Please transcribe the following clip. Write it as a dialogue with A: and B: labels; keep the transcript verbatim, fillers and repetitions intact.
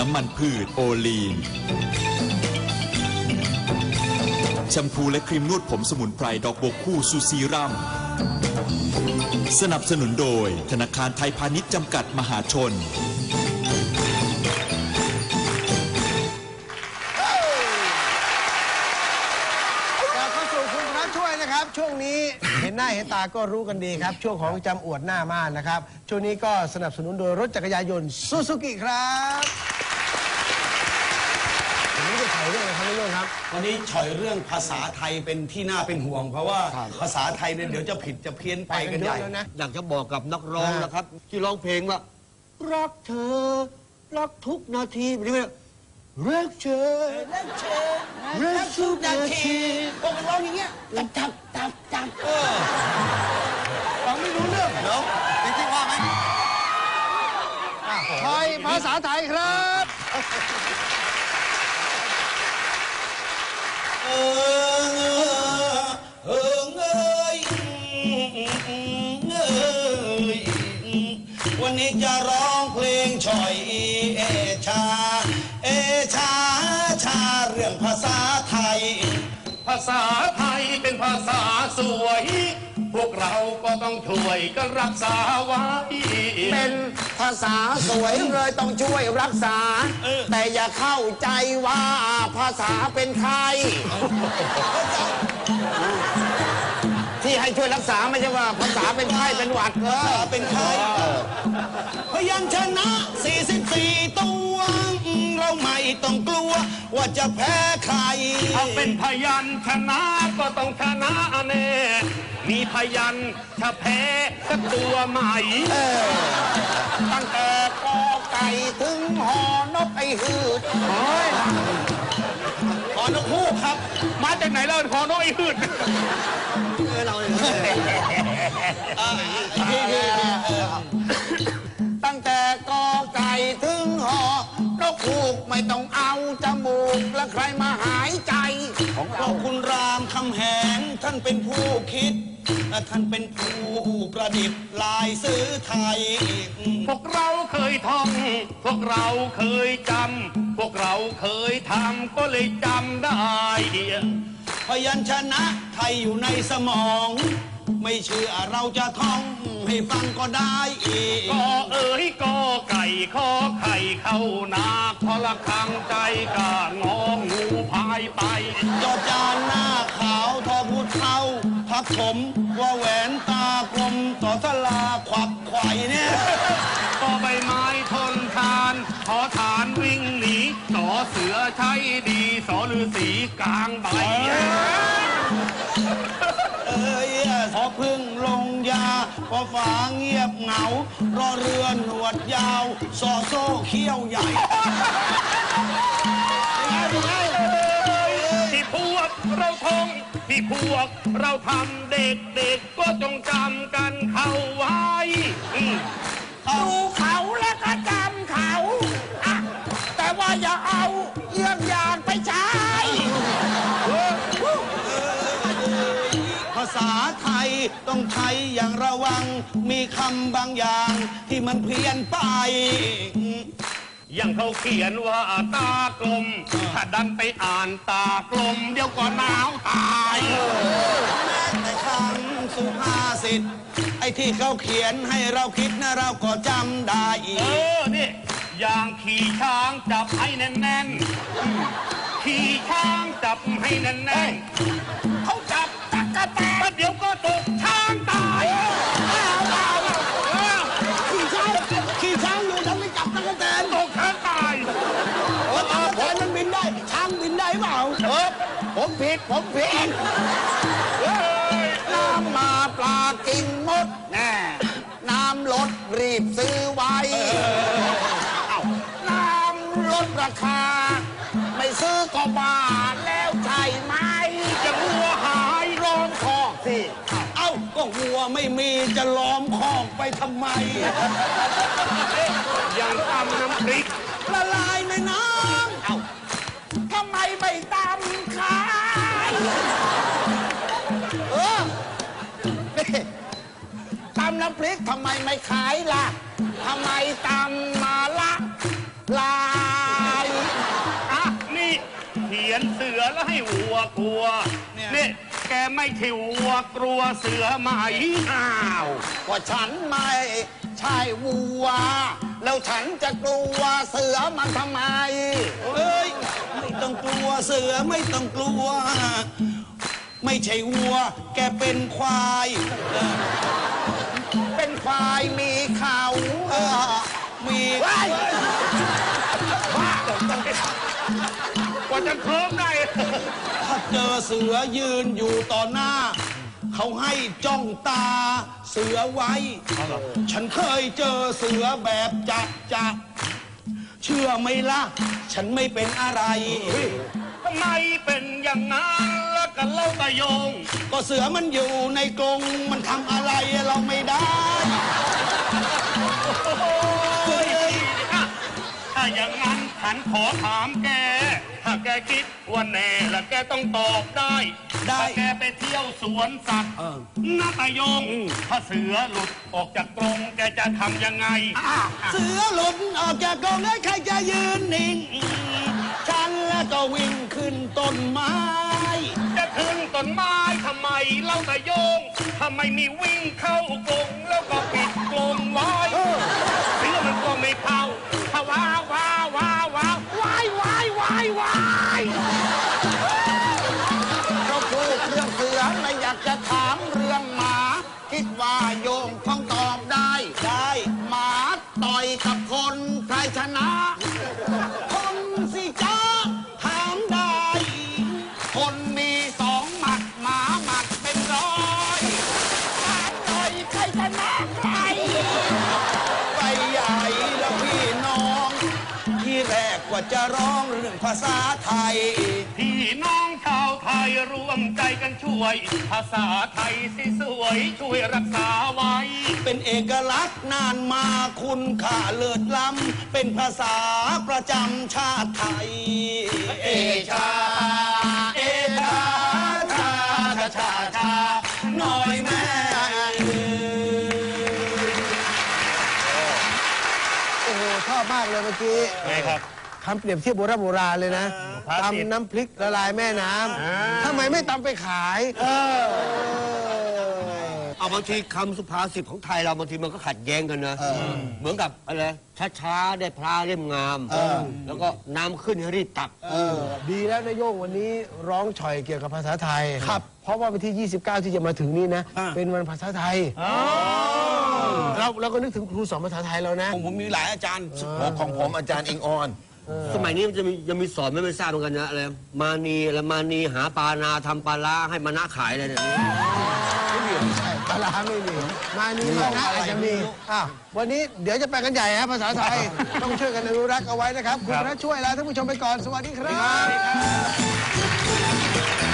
A: น้ำมันพืชโอลีนแชมพูและครีมนวดผมสมุนไพรดอกบัวคู่ซูซีรัมสนับสนุนโดยธนาคารไทยพาณิชย์จำกัดมหาชน
B: ช่วงนี้เห็นหน้าเห็นตาก็รู้กันดีครับช่วงของจำอวดหน้าม่านนะครับช่วงนี้ก็สนับสนุนโดยรถจักรยานยนต์ซูซูกิครับวันนี้จะฉายเรื่องอะไรครับพี่โยงครับ
C: วันนี้ฉายเรื่องภาษาไทยเป็นที่น่าเป็นห่วงเพราะว่าภาษาไทยเนี่ยเดี๋ยวจะผิดจะเพี้ยนไปกันใหญ่
D: อยากจะบอกกับนักร้องนะครับที่ร้องเพลงว่ารักเธอรักทุกนาทีแบบนี้รักเธอรักเธอรักทุกนาที
C: พวกร้องอย่างเงี้ยจับจับจับจับเออฟังไม่รู้เรื่องเดี๋ยวจริงๆว่าไหม
B: ไทยภาษาไทยครับ
C: เออเออเงยเงยวันนี้จะร้องเพลงฉ่อยเอชาเอชาชาเรื่องภาษาไทย
E: ภาษาไทยเป็นภาษาสวยพวกเราก็ต้องช่วยกันรักษาไว้
D: เป็นภาษาสวยเลยต้องช่วยรักษาแต่อย่าเข้าใจว่าภาษาเป็นใครที่ให้ช่วยรักษาไม่ใช่ว่าภาษาเป็นไข้เป็นหวัดเออ
C: เป็นไข้พยัญชนะสี่สิบสี่ตัวเราไม่ต้องกลัวว่าจะแพ้ใคร
E: เอาเป็นพยัญชนะก็ต้องชนะแน่มีพยัญชนะแพ้สักตัวใหม่
D: ตั้งแต่กอไก่ถึงหอนกไอ้หืด
C: หอนกฮูกครับ
E: มาจากไหนแล้วหอนกไอ้หืด
D: เราตั้งแต่กอไก่ถึงหอนกฮูกไม่ต้องเอาจมูกและใครมาหายใจ
C: ของเราคุณรามคำแหงท่านเป็นผู้คิดท่านเป็นผู้ประดิษฐ์ลายซื้อไทย
E: พวกเราเคยท่องพวกเราเคยจำพวกเราเคยทำก็เลยจำได้
C: พยัญชนะไทยอยู่ในสมองไม่เชื่อเราจะท่องให้ฟังก็ได้อีก
E: ก็เอ๋ยก็ไก่ข้อไข่เข้านาพอละคังใจกะงองูพายไป
C: จอจานหน้าขาวทอพูดเท่าพักผมว่าแหวนตากลมต่อสลาขวักไข่เนี่ย
E: ก็ใบไม้ทนทานขอฐานวิ่งหนีสอเสือใช้ดีสอฤาษีกลางใบ
C: เอ้ยพอพึ่งลงยาพอฝาเงียบเหงารอเรือหนวดยาวสอโซ่เขี้ยวใหญ่
E: ที่พวกเราท่องที่พวกเราทำเด็กๆก็จงจำกันเข้าไว้
D: ดูเขาแล้วก็จำเขาแต่ว่าอย่าเอาเยี่ยงอย่างไปใช้
C: ภาษาไทยต้องใช้อย่างระวังมีคำบางอย่างที่มันเพี้ยนไป
E: อย่างเขาเขียนว่าตากลมถ้าดันไปอ่านตากลมเดี๋ยวก็หนาวตาย
C: แม้แต่คำสุภาษิตไอ้ที่เขาเขียนให้เราคิดนะเราก็จำได้อีก
E: เออนี่อย่างขี่ช้างจับให้แน่นๆขี่ช้างจับให้แน่นๆเขาจับตะกะแตนเดี๋ยวก็ตกช้างตาย
C: ขี่ช้างขี่ช้างอยู่ทำไมจับตะกะแตน
E: ตกช้างตาย
C: ตะกะแตนมันบินได้ช้างบินได้เปล่า
D: เออผมผิดผมผิดน้ำมาปลากินมดแน่น้ำลดรีบซื้อไว้น้ำลดราคาไม่ซื้อก็บ้าแล้วใช่ไหม
E: จะวัวหายล้อมคอกสิ
C: เอ้าก็วัวไม่มีจะล้อมคอกไปทำไม
E: อย่างตำน้ำพริก
C: ละลายในน้ำเอ้า
D: ทำไมไม่ตำขายเออตำน้ำพริกทำไมไม่ขายล่ะทำไมตำมาละลา
E: แล้วให้วัวกลัวนี่แกไม่ใช่วัวกลัวเสือไหมอ้าว
C: ว่าฉันไม่ใช่วัว แล้วฉันจะกลัวเสือมันทำไมเอ้ยไม่ต้องกลัวเสือไม่ต้องกลัว ไม่ใช่วัว แกเป็นควายเออเป็นควายมีเขาเออมีว้าย
E: กว่าจะเคลิ้มได้
C: ถ้าเจอเสือยืนอยู่ต่อหน้า เขาให้จ้องตาเสือไว้ ฉันเคยเจอเสือแบบจับจับเชื่อไหมล่ะ ฉันไม่เป็นอะไร
E: ทำไมเป็นอย่างนั้นแล้วกันเล่าตะโยง
C: ก็เสือมันอยู่ในกรงมันทำอะไรเราไม่ได้
E: ถ้าอย่างนั้นฉันขอถามแก ถ้าแกคิดว่าแน่แล้วแกต้องตอบได้
C: ได้
E: ถ้าแกไปเที่ยวสวนสัตว์นาตายง ถ้าเสือหลุดออกจากกรงแกจะทำยังไง
C: เสือหลุดออกจากกรงแล้วใครจะยืนนิ่ง ฉันแล้วก็วิ่งขึ้นต้นไม้
E: จะถึงต้นไม้ทำไมเล่าตะโยงทำไมมีวิ่งเข้ากรงแล้วก็ปิดกรงไว้เสือมันก็ไม่เข้าถ้าว้าวว้าวว้าวว้าวว้ายว้ายว้ายว้าย
C: เขาพูดเรื่องเสือไม่อยากจะถามเรื่องหมา คิดว่าโยมคงตอบได้ ได้หมาต่อยกับคนใครชนะ คนสิจ้าถามได้ คนมีสองหมัดหมาหมัดเป็นร้อยต่อยใครชนะใครไปใหญ่แล้วพี่น้อง ที่แรกว่าจะร้องเรื่องภาษาไทย
E: พี่น้องชาวไทยรวมใจกันช่วย ภาษาไทยสิสวยช่วยรักษาไว้
C: เป็นเอกลักษณ์นานมาคุณค่าเลิศล้ำเป็นภาษาประจำชาติไทย เอชา เอชาชาชาชาชาหน่อยแม่
B: โอ้โหชอบมากเลยเมื่อกี้
E: ไงครับ
B: คำเปรียบเทียบโบราณโบราณเลยนะ
E: ภาษิต
B: ตำน้ำพริกละลายแม่น้ำทำไมไม่ตำไปขาย
D: เอาบางทีคำสุภาษิตของไทยเราบางทีมันก็ขัดแย้งกันนะเหมือนกับอะไรช้าๆได้พระเล่มงาม แล้วก็น้ำขึ้นให้รีบตัก
B: ดีแล้วนายโยงวันนี้ร้องฉ่อยเกี่ยวกับภาษาไทยครับ เพราะว่าวันที่ ยี่สิบเก้า ที่จะมาถึงนี้นะ เป็นวันภาษาไทยเราเราก็นึกถึงครูสอนภาษาไทยแล้วนะ
C: ผมผมมีหลายอาจารย์
F: ของผมอาจารย์อิงออน
D: สมัยนี้มันจะมียังมีสอนไม่ไม่ทราบเหมือนกันนะอะไรมานีและมานีหาปลานาทำปลาล้าให้มานะขายอะไรเนี่ย
B: ไม่มีใช่ปลาร้าไม่มี มานี่มานะอาจจะมีอ้าววันนี้เดี๋ยวจะไปกันใหญ่ฮะภาษาไทย ต้องช่วยกันอนุรักษ์เอาไว้นะครับ คุณพระช่วยลาท่านผู้ชมไปก่อน สวัสดีครับ